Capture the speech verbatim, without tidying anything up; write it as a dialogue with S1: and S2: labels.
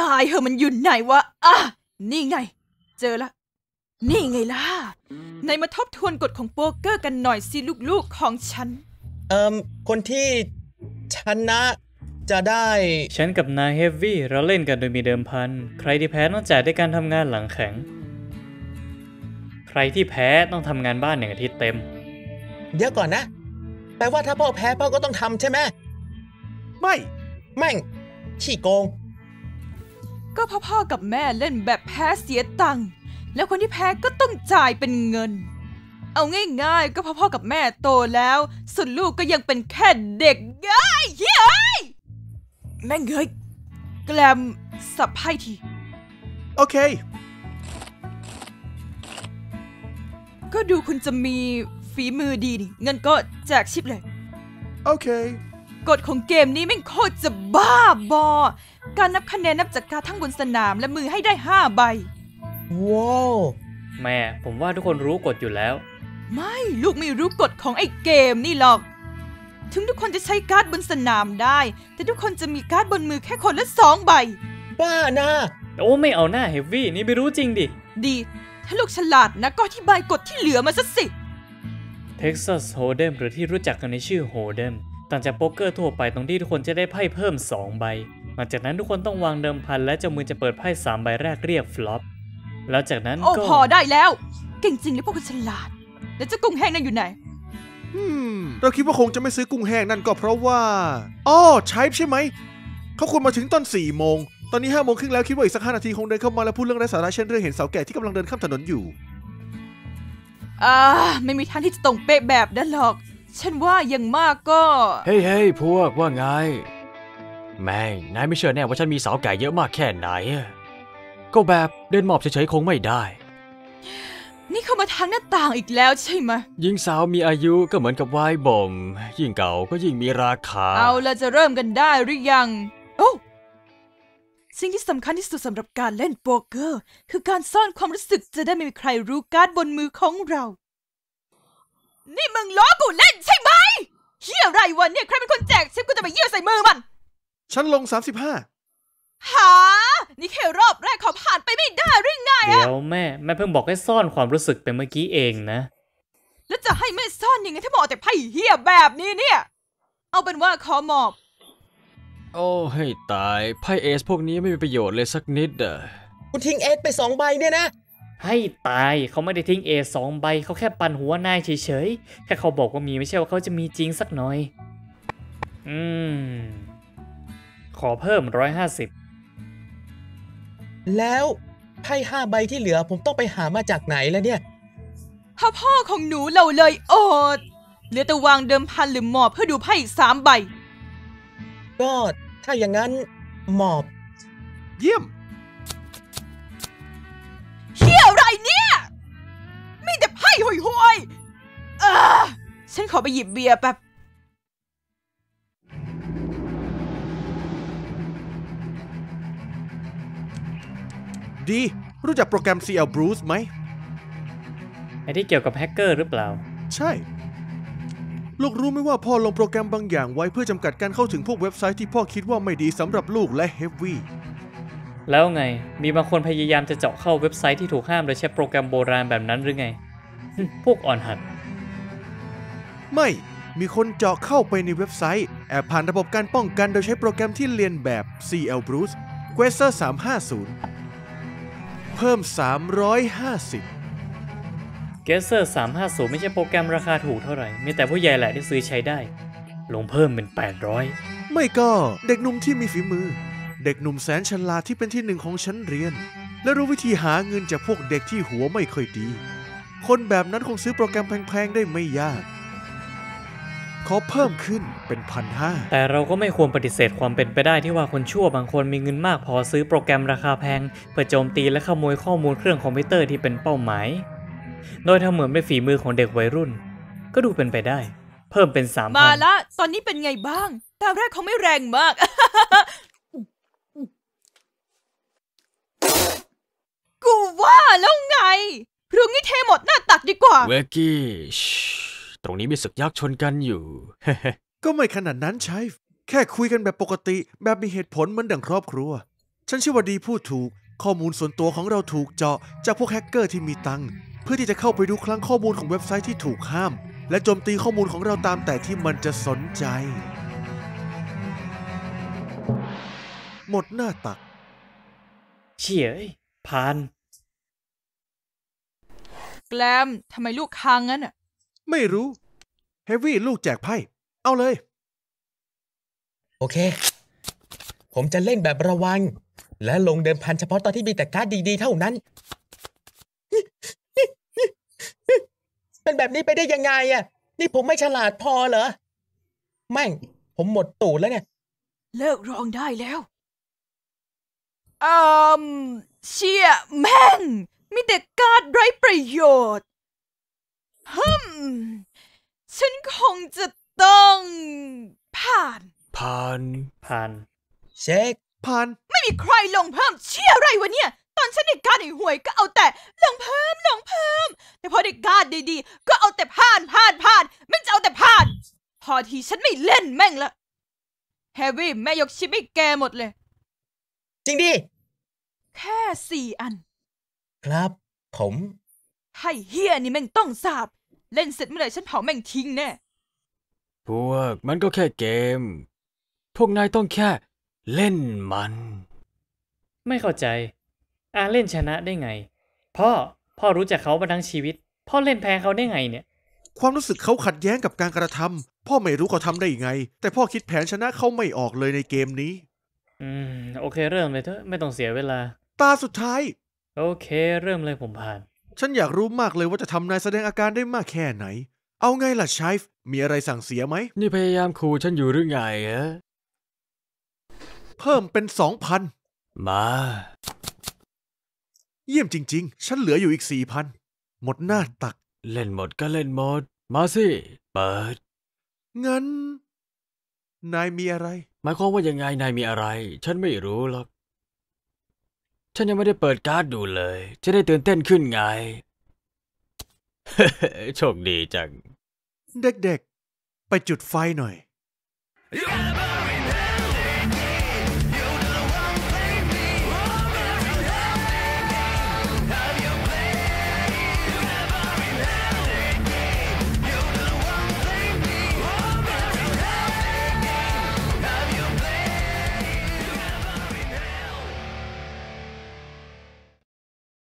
S1: ายเหอะมันอยู่ไหนวะอ่ะนี่ไงเจอละนี่ไงล่ะในมาทบทวนกฎของโป๊กเกอร์กันหน่อยสิลูกๆของฉัน
S2: เอ่อคนที่ชนะจะได้
S3: ฉันกับนายเฮฟวี่เราเล่นกันโดยมีเดิมพันใครที่แพ้ต้องจ่ายด้วยการทำงานหลังแข็งใครที่แพ้ต้องทำงานบ้านหนึ่งอาทิตย์เต็ม
S2: เดี๋ยวก่อนนะแปลว่าถ้าพ่อแพ้พ่อก็ต้องทำใช่ไหม
S4: ไม่
S2: แม่งขี้โกง
S1: ก็พ่อๆกับแม่เล่นแบบแพ้เสียตังค์แล้วคนที่แพ้ก็ต้องจ่ายเป็นเงินเอาง่ายๆก็พ่อๆกับแม่โตแล้วส่วนลูกก็ยังเป็นแค่เด็กเฮ้ยเฮ้ยแม่งเฮ้ยแกลมสับไพ่ที
S4: โอเค
S1: ก็ดูคุณจะมีฝีมือดีนี่เงินก็แจกชิปเลย
S4: โอเค
S1: กฎของเกมนี้แม่งโคตรจะบ้าบอการนับคะแนนนับจากการทั้งบนสนามและมือให้ได้ห้าใบ
S2: ว้าว
S3: แม่ผมว่าทุกคนรู้กฎอยู่แล้ว
S1: ไม่ลูกไม่รู้กฎของไอ้เกมนี่หรอกถึงทุกคนจะใช้การ์ดบนสนามได้แต่ทุกคนจะมีการ์ดบนมือแค่คนละสองใบ
S2: บ้านะ
S3: โอ้ไม่เอาหน้าเฮฟวี่นี่ไม่รู้จริงดิ
S1: ดีถ้าลูกฉลาดนะก็อธิบายกฎที่เหลือมาซะสิ
S3: Texas Hold'em หรือที่รู้จักกันในชื่อ Hold'em ต่างจากโป๊กเกอร์ทั่วไปตรงที่ทุกคนจะได้ไพ่เพิ่มสองใบหลังจากนั้นทุกคนต้องวางเดิมพันและเจ้ามือจะเปิดไพ่สามใบแรกเรียกฟลอปแล้วจากนั้นก็
S1: โอ้พอได้แล้วเก่งจริงหรือพวกคุณฉลาดแล้วเจ้ากุ้งแห้งนั่นอยู่ไหน
S4: อืมเราคิดว่าคงจะไม่ซื้อกุ้งแห้งนั่นก็เพราะว่าอ้อใช่ใช่ไหมเขาควรมาถึงตอนสี่โมงตอนนี้ห้าโมงครึ่งแล้วคิดว่าอีกสักห้านาทีคงเดินเข้ามาแล้วพูดเรื่องไร้สาระเช่นเรื่องเห็นสาวแก่ที่กำลังเดินข้ามถนนอยู่
S1: อ่าไม่มีทางที่จะตรงเป๊ะแบบนั้นหรอกฉันว่ายังมากก็
S5: เฮ้ยเฮ้ยพวกว่าไงแม่งนายไม่เชื่อแน่ว่าฉันมีสาวแก่เยอะมากแค่ไหนก็แบบเดินหมอบเฉยๆคงไม่ได้
S1: นี่เข้ามาทางหน้าต่างอีกแล้วใช่ไหม
S5: ยิ่งสาวมีอายุก็เหมือนกับไวน์บ่มยิ่งเก่าก็ยิ่งมีราคา
S1: เอาละจะเริ่มกันได้หรือยังโอ้สิ่งที่สำคัญที่สุดสำหรับการเล่นโป๊กเกอร์คือการซ่อนความรู้สึกจะได้ไม่มีใครรู้การ์ดบนมือของเรานี่มึงล้อกูเล่นใช่ไหมเหี้ยอะไรวะเนี่ยใครเป็นคนแจกชิปกูจะไปเยี่ยวใส่มือมัน
S4: ฉันลงสามสิบห้า
S1: หานี่แค่รอบแรกขอผ่านไปไม่ได้หรือไงอะ
S3: เดี๋ยวแม่แม่เพิ่งบอกให้ซ่อนความรู้สึกไปเมื่อกี้เองนะ
S1: แล้วจะให้แม่ซ่อนยังไงถ้าหมอแต่ไพ่เหี้ยแบบนี้เนี่ยเอาเป็นว่าขอหมอบ
S5: โอ้ให้ตายไพ่เอสพวกนี้ไม่มีประโยชน์เลยสักนิดอะ
S2: คุณทิ้งเอสไปสองใบเนี่ยนะ
S3: ให้ตายเขาไม่ได้ทิ้งเอสองใบเขาแค่ปั่นหัวนายเฉยๆแค่เขาบอกว่ามีไม่ใช่ว่าเขาจะมีจริงสักหน่อยอืมขอเพิ่มร้อยห้าสิบ
S2: แล้วไพ่ห้าใบที่เหลือผมต้องไปหามาจากไหนแล้วเนี่ย
S1: พ่อพ่อของหนูเราเลยอดเหลือแต่วางเดิมพันหรือหมอบเพื่อดูไพ่อีกสามใบ
S2: ก็ถ้าอย่างนั้นหมอบ
S4: เยี่ยม
S1: เฮียอะไรเนี่ยมีแต่ไพ่ห่วยๆเออฉันขอไปหยิบเบียร์แป๊บ
S4: ดีรู้จักโปรแกรม ซี แอล Bruce ไหม
S3: ไอ้ที่เกี่ยวกับแฮกเกอร์หรือเปล่า
S4: ใช่ลูกรู้ไหมว่าพ่อลงโปรแกรมบางอย่างไว้เพื่อจำกัดการเข้าถึงพวกเว็บไซต์ที่พ่อคิดว่าไม่ดีสำหรับลูกและเฮฟวี่
S3: แล้วไงมีบางคนพยายามจะเจาะเข้าเว็บไซต์ที่ถูกห้ามโดยใช้โปรแกรมโบราณแบบนั้นหรือไง พวกอ่อนหัด
S4: ไม่มีคนเจาะเข้าไปในเว็บไซต์แอบผ่านระบบการป้องกันโดยใช้โปรแกรมที่เรียนแบบ ซี แอล Bruce Quasar สามห้าศูนย์เพิ่มสามร้อยห้าสิบ
S3: Quasar สามห้าศูนย์ไม่ใช่โปรแกรมราคาถูกเท่าไหร่มีแต่ผู้ใหญ่แหละที่ซื้อใช้ได้ลงเพิ่มเป็นแปดร้อย
S4: ไม่ก็เด็กหนุ่มที่มีฝีมือเด็กหนุ่มแสนฉลาดที่เป็นที่หนึ่งของชั้นเรียนและรู้วิธีหาเงินจากพวกเด็กที่หัวไม่ค่อยดีคนแบบนั้นคงซื้อโปรแกรมแพงๆได้ไม่ยากขอเพิ่มขึ้นเป็นพันห้า
S3: แต่เราก็ไม่ควรปฏิเสธความเป็นไปได้ที่ว่าคนชั่วบางคนมีเงินมากพอซื้อโปรแกรมราคาแพงเพื่อโจมตีและขโมยข้อมูลเครื่องคอมพิวเตอร์ที่เป็นเป้าหมายโดยทำเหมือนเป็นฝีมือของเด็กวัยรุ่นก็ดูเป็นไปได้เพิ่มเป็นสามพัน
S1: มาละตอนนี้เป็นไงบ้างตาแรกเขาไม่แรงมาก กูว่าแล้วไงพรุ่งนี้เทหมดหน้าตักดีกว่า
S5: เวกกี้ตรงนี้มีศึกยักษ์ชนกันอยู่
S4: ก็ไม่ขนาดนั้นใช่แค่คุยกันแบบปกติแบบมีเหตุผลเหมือนดั่งครอบครัวฉันเชื่อว่าดีพูดถูกข้อมูลส่วนตัวของเราถูกเจาะจากพวกแฮกเกอร์ที่มีตังค์เพื่อที่จะเข้าไปดูคลังข้อมูลของเว็บไซต์ที่ถูกห้ามและโจมตีข้อมูลของเราตามแต่ที่มันจะสนใจ หมดหน้าตัก
S3: เฉียยผ่าน
S1: แกลมทำไมลูกค้างงั้นอ่ะ
S4: ไม่รู้เฮฟวี่ลูกแจกไพ่เอาเลย
S2: โอเค ผมจะเล่นแบบระวัง และลงเดิมพันเฉพาะตอนที่มีแต่การ์ดดีๆเท่านั้น เป็นแบบนี้ไปได้ยังไงอ่ะนี่ผมไม่ฉลาดพอเหรอแม่งผมหมดตูดแล้วเนี่ย
S1: เลิกร้องได้แล้วอืมเชี่ยแม่งมีแต่การ์ดไร้ประโยชน์ฮึมฉันคงจะต้องผ่าน
S5: ผ่าน
S3: ผ่าน
S2: เช็ค
S4: ผ่าน
S1: ไม่มีใครลงเพิ่มเชี่ยอะไรวะเนี่ย ตอนฉันได้การ์ดไอ้ห่วยก็เอาแต่ลงเพิ่มลงเพิ่ม แต่พอได้การ์ดดีๆก็เอาแต่ผ่านผ่านผ่านไม่จะเอาแต่ผ่าน พอทีฉันไม่เล่นแม่งละเฮฟวี่แม่ยกชิปให้แกหมดเลย
S2: จริงดิ
S1: แค่สี่อัน
S2: ครับ ผม
S1: ให้เฮียนี่แม่งต้องสาบ เล่นเสร็จเมื่อไหร่ฉันเผาแม่งทิ้งแน่
S5: พวกมันก็แค่เกม พวกนายต้องแค่เล่นมัน
S3: ไม่เข้าใจอาเล่นชนะได้ไง พ่อ พ่อรู้จักเขามาทั้งชีวิต พ่อเล่นแพ้เขาได้ไงเนี่ย
S4: ความรู้สึกเขาขัดแย้งกับการกระทำพ่อไม่รู้เขาทำได้ยังไง แต่พ่อคิดแผนชนะเขาไม่ออกเลยในเกมนี้
S3: อืม โอเคเริ่มเลยเถอะ ไม่ต้องเสียเวลา
S4: ตาสุดท้าย
S3: โอเค เริ่มเลยผมผ่าน
S4: ฉันอยากรู้มากเลยว่าจะทำนายแสดงอาการได้มากแค่ไหน เอาไงล่ะชายฟ์มีอะไรสั่งเสียไหม
S5: นี่พยายามขู่ฉันอยู่หรือไงอะ
S4: เพิ่มเป็นสองพัน
S5: มา
S4: เยี่ยมจริงๆ ฉันเหลืออยู่อีกสี่พันหมดหน้าตัก
S5: เล่นหมดก็เล่นหมด มาสิ เปิด
S4: งั้น นายมีอะไร
S5: หมายความว่ายังไงนายมีอะไร ฉันไม่รู้หรอก ฉันยังไม่ได้เปิดการ์ดดูเลย จะได้ตื่นเต้นขึ้นไง โชคดีจัง
S4: เด็กๆ ไปจุดไฟหน่อย
S6: You gotta